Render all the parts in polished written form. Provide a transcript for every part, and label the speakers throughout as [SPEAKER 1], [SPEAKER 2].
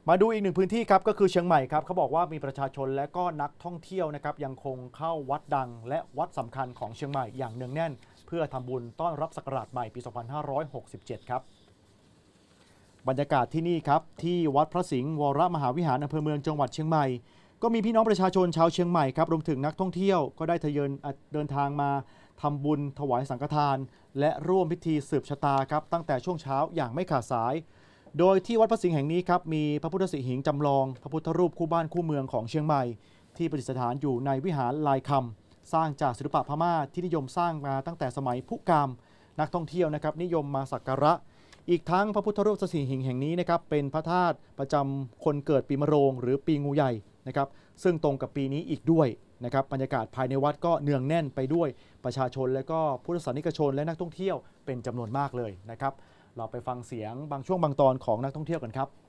[SPEAKER 1] มาดูอีกหนึ่งพื้นที่ครับก็คือเชียงใหม่ครับเขาบอกว่ามีประชาชนและก็นักท่องเที่ยวนะครับยังคงเข้าวัดดังและวัดสำคัญของเชียงใหม่อย่างเนืองแน่นเพื่อทำบุญต้อนรับศักราชใหม่ปี 2567 ครับบรรยากาศที่นี่ครับที่วัดพระสิงห์วรมหาวิหารอำเภอเมืองจังหวัดเชียงใหม่ก็มีพี่น้องประชาชนชาวเชียงใหม่ครับรวมถึงนักท่องเที่ยวก็ได้ทยอยเดินทางมาทำบุญถวายสังฆทานและร่วมพิธีสืบชะตาครับตั้งแต่ช่วงเช้าอย่างไม่ขาดสายโดยที่วัดพระสิงห์แห่งนี้ครับมีพระพุทธสิหิงค์จำลองพระพุทธรูปคู่บ้านคู่เมืองของเชียงใหม่ที่ประดิษฐานอยู่ในวิหารลายคำสร้างจากศิลปะพม่าที่นิยมสร้างมาตั้งแต่สมัยพุกามนักท่องเที่ยวนะครับนิยมมาสักการะอีกทั้งพระพุทธรูปสิหิงค์แห่งนี้นะครับเป็นพระธาตุประจำคนเกิดปีมะโรงหรือปีงูใหญ่นะครับซึ่งตรงกับปีนี้อีกด้วยนะครับบรรยากาศภายในวัดก็เนืองแน่นไปด้วยประชาชนและก็พุทธศาสนิกชนและนักท่องเที่ยวเป็นจำนวนมากเลยนะครับเราไปฟังเสียงบางช่วงบางตอนของนักท่องเที่ยวกันครับ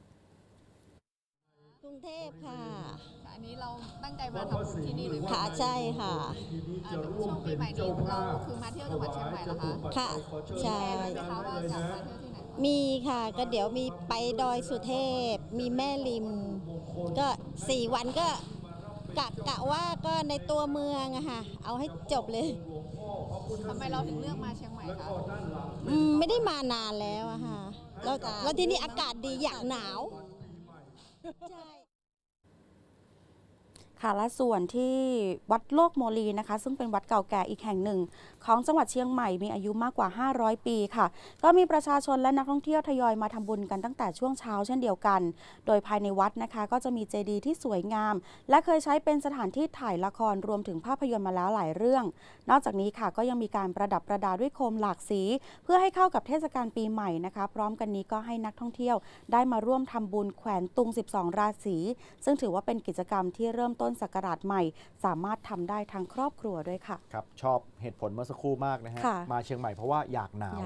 [SPEAKER 2] กรุงเทพค่ะ
[SPEAKER 3] อันนี้เราตั้งใจมาทำบุญที่นี่หรือเปล่า
[SPEAKER 2] ค่ะใช่ค่ะ
[SPEAKER 3] ช่วงปีใหม่นี้เราคือมาเที่ยวจังหวัดเชียงใหม่เหรอคะ
[SPEAKER 2] ค่ะใช่
[SPEAKER 3] มีแผนไหมคะว่าจะมาเที่ยวที่ไหน
[SPEAKER 2] มีค่ะก็เดี๋ยวมีไปดอยสุเทพ มีแม่ริม ก็4 วันก็กะว่าก็ในตัวเมืองอะค่ะเอาให้จบเลย
[SPEAKER 3] ทำไมเราถึงเลือกมาเชียงใหม่คะ
[SPEAKER 2] ไม่ได้มานานแล้วอะค่ะแล้วที่นี่อากาศดีอยากหนาวใช่
[SPEAKER 4] ค่ะและส่วนที่วัดโลกโมลีนะคะซึ่งเป็นวัดเก่าแก่อีกแห่งหนึ่งของจังหวัดเชียงใหม่มีอายุมากกว่า500 ปีค่ะก็มีประชาชนและนักท่องเที่ยวทยอยมาทำบุญกันตั้งแต่ช่วงเช้าเช่นเดียวกันโดยภายในวัดนะคะก็จะมีเจดีย์ที่สวยงามและเคยใช้เป็นสถานที่ถ่ายละครรวมถึงภาพยนตร์มาแล้วหลายเรื่องนอกจากนี้ค่ะก็ยังมีการประดับประดาด้วยโคมหลากสีเพื่อให้เข้ากับเทศกาลปีใหม่นะคะพร้อมกันนี้ก็ให้นักท่องเที่ยวได้มาร่วมทำบุญแขวนตุง12ราศีซึ่งถือว่าเป็นกิจกรรมที่เริ่มต้นศักราชใหม่สามารถทำได้ทั้งครอบครัวด้วยค่ะ
[SPEAKER 1] ครับชอบเหตุผลเมื่อสักครู่มากนะฮะมาเชียงใหม่เพราะว่าอยากหนาว